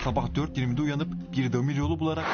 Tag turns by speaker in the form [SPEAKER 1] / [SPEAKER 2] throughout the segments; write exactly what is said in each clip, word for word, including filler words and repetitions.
[SPEAKER 1] Sabah dört yirmide uyanıp bir demir yolu bularak...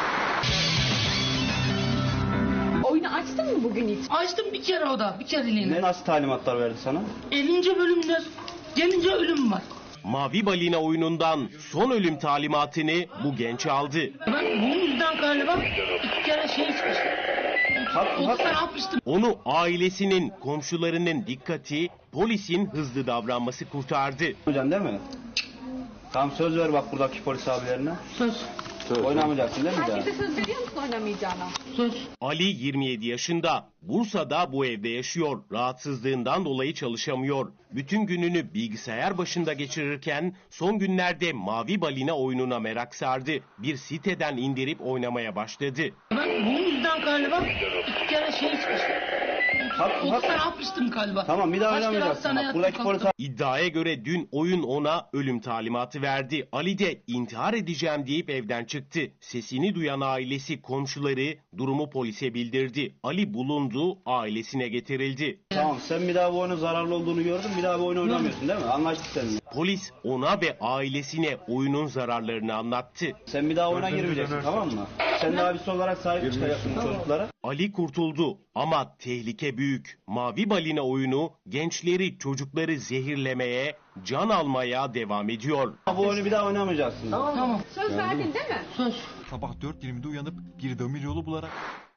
[SPEAKER 2] Oyunu açtın mı bugün hiç?
[SPEAKER 3] Açtım bir kere o da, bir kereliğine.
[SPEAKER 4] Ne nasıl talimatlar verdi sana?
[SPEAKER 3] ellinci bölümde gelince ölüm var.
[SPEAKER 5] Mavi Balina oyunundan son ölüm talimatını bu genç aldı.
[SPEAKER 3] Ben bunun yüzden galiba iki kere şey çıkmıştım.
[SPEAKER 4] Hak,
[SPEAKER 3] otuz
[SPEAKER 4] hak.
[SPEAKER 3] tane atmıştım.
[SPEAKER 5] Onu ailesinin, komşularının dikkati, polisin hızlı davranması kurtardı.
[SPEAKER 4] Hocam değil mi? Tamam, söz ver bak buradaki polis abilerine.
[SPEAKER 3] Söz,
[SPEAKER 4] Oynamayacaksın değil mi daha?
[SPEAKER 2] Herkese söz veriyor musun oynamayacağına?
[SPEAKER 3] söz.
[SPEAKER 5] Ali yirmi yedi yaşında. Bursa'da bu evde yaşıyor. Rahatsızlığından dolayı çalışamıyor. Bütün gününü bilgisayar başında geçirirken son günlerde Mavi Balina oyununa merak sardı. Bir siteden indirip oynamaya başladı.
[SPEAKER 3] Ben bunun yüzden galiba iki kere şey çıkmıştım.
[SPEAKER 4] Hak,
[SPEAKER 3] otuz
[SPEAKER 4] hak.
[SPEAKER 3] tane atmıştım galiba.
[SPEAKER 4] Tamam, bir daha
[SPEAKER 3] Kaç kere
[SPEAKER 4] oynamayacaksın.
[SPEAKER 3] hastaneye
[SPEAKER 4] Bak, buradaki
[SPEAKER 3] yattım,
[SPEAKER 4] polis
[SPEAKER 3] kalktım.
[SPEAKER 5] İddiaya göre dün oyun ona ölüm talimatı verdi. Ali de intihar edeceğim deyip evden çıktı. Sesini duyan ailesi, komşuları durumu polise bildirdi. Ali bulundu, ailesine getirildi.
[SPEAKER 4] Tamam, sen bir daha bu oyunun zararlı olduğunu gördün, bir daha bu oyunu oynamıyorsun değil mi? Anlaştık seninle.
[SPEAKER 5] Polis ona ve ailesine oyunun zararlarını anlattı.
[SPEAKER 4] Sen bir daha oyuna girmeyeceksin, tamam mı? Sen de abisi olarak sahip çıkacaksın bu çocuklara.
[SPEAKER 5] Ali kurtuldu ama tehlike büyük. Mavi Balina oyunu gençleri, çocukları zehirlemeye, can almaya devam ediyor.
[SPEAKER 4] Bu oyunu bir daha oynamayacaksın.
[SPEAKER 3] Tamam.
[SPEAKER 2] Söz verdin değil mi?
[SPEAKER 3] Söz.
[SPEAKER 1] Sabah dört yirmide uyanıp bir demir yolu bularak...